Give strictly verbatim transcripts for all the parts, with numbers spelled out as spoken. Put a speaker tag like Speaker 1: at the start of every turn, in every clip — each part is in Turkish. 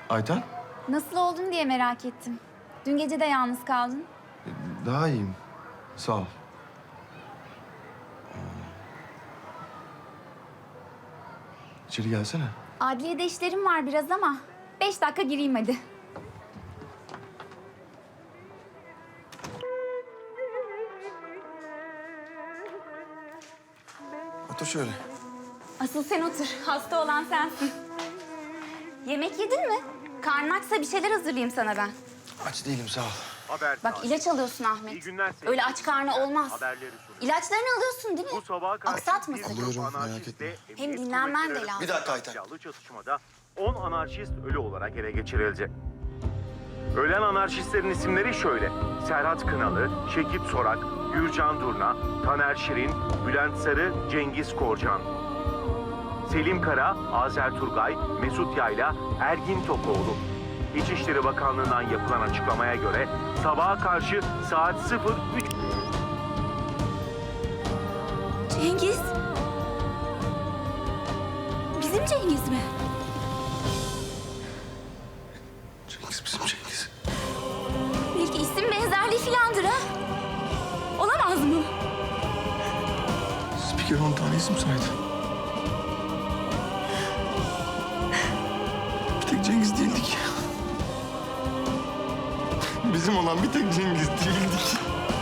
Speaker 1: Ayten?
Speaker 2: Nasıl oldun diye merak ettim. Dün gece de yalnız kaldın.
Speaker 1: Daha iyiyim. Sağ ol. İçeri gelsene.
Speaker 2: Adliyede işlerim var biraz ama beş dakika gireyim hadi.
Speaker 1: Otur şöyle.
Speaker 2: Asıl sen otur. Hasta olan sensin. Yemek yedin mi? Karnın açsa bir şeyler hazırlayayım sana ben.
Speaker 1: Aç değilim, sağ ol.
Speaker 3: Haber
Speaker 2: Bak
Speaker 3: saati.
Speaker 2: ilaç alıyorsun Ahmet.
Speaker 3: İyi günler sevgili
Speaker 2: Öyle aç karnı
Speaker 3: dinleyiciler.
Speaker 2: olmaz.
Speaker 3: Haberleri sunuyor.
Speaker 2: İlaçlarını alıyorsun değil mi?
Speaker 3: Bu sabaha karşı
Speaker 2: Aksatmasın.
Speaker 3: bir grup
Speaker 1: Alıyorum, merak
Speaker 3: anarşistle
Speaker 1: etme.
Speaker 3: emniyet
Speaker 2: Hem dinlenmen de
Speaker 3: kuvvetleri
Speaker 2: lazım.
Speaker 1: Bir dakika Ayten.
Speaker 3: silahlı çatışmada on anarşist ölü olarak ele geçirildi. Ölen anarşistlerin isimleri şöyle: Serhat Kınalı, Şekip Sorak, Gürcan Durna, Taner Şirin, Bülent Sarı, Cengiz Korcan. Selim Kara, Azer Turgay, Mesut Yayla, Ergin Tokoğlu. İçişleri Bakanlığı'ndan yapılan açıklamaya göre sabaha karşı saat sıfır üç...
Speaker 2: Cengiz. Bizim Cengiz mi?
Speaker 1: Cengiz bizim Cengiz.
Speaker 2: Belki isim benzerliği filandır ha? Olamaz mı?
Speaker 1: Spiker on tane isim saydı. Bir tek Cengiz değildik. Bizim olan bir tek Cengiz değildik.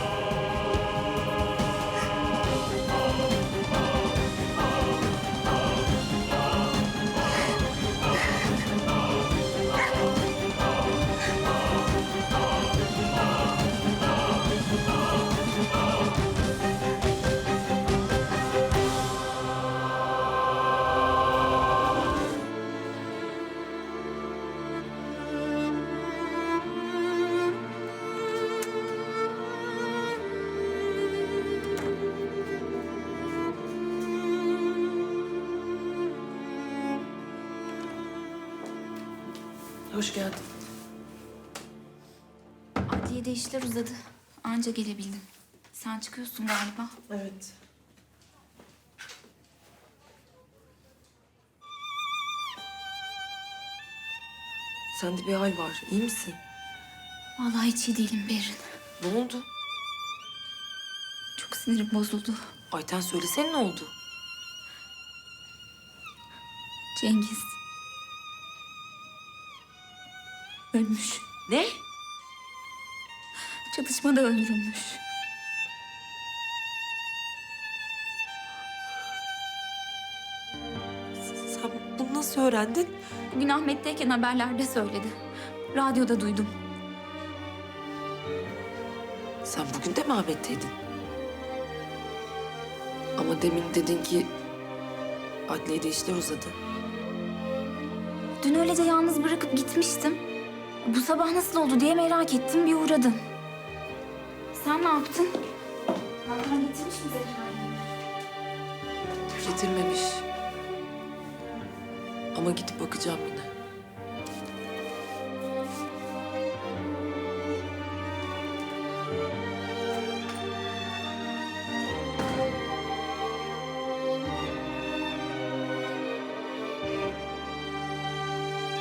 Speaker 4: Hoş geldin.
Speaker 2: Adliyede işler uzadı. Anca gelebildim. Sen çıkıyorsun galiba.
Speaker 4: Evet. Sende bir hal var. İyi misin?
Speaker 2: Vallahi hiç iyi değilim Berin.
Speaker 4: Ne oldu?
Speaker 2: Çok sinirim bozuldu.
Speaker 4: Ayten söylesene ne oldu?
Speaker 2: Cengiz. Ölmüş.
Speaker 4: Ne?
Speaker 2: Çatışmada öldürülmüş.
Speaker 4: Sen bunu nasıl öğrendin?
Speaker 2: Bugün Ahmet'teyken haberlerde söyledi. Radyoda duydum.
Speaker 4: Sen bugün de mi Ahmet'teydin? Ama demin dedin ki adliyede işler uzadı.
Speaker 2: Dün öylece yalnız bırakıp gitmiştim. Bu sabah nasıl oldu diye merak ettim, bir uğradım. Sen ne yaptın? Hakan getirmiş mi Zehra'yı?
Speaker 4: Getirmemiş. Ama gidip bakacağım yine.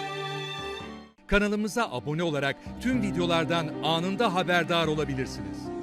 Speaker 5: Kanalımıza abone olarak tüm videolardan anında haberdar olabilirsiniz.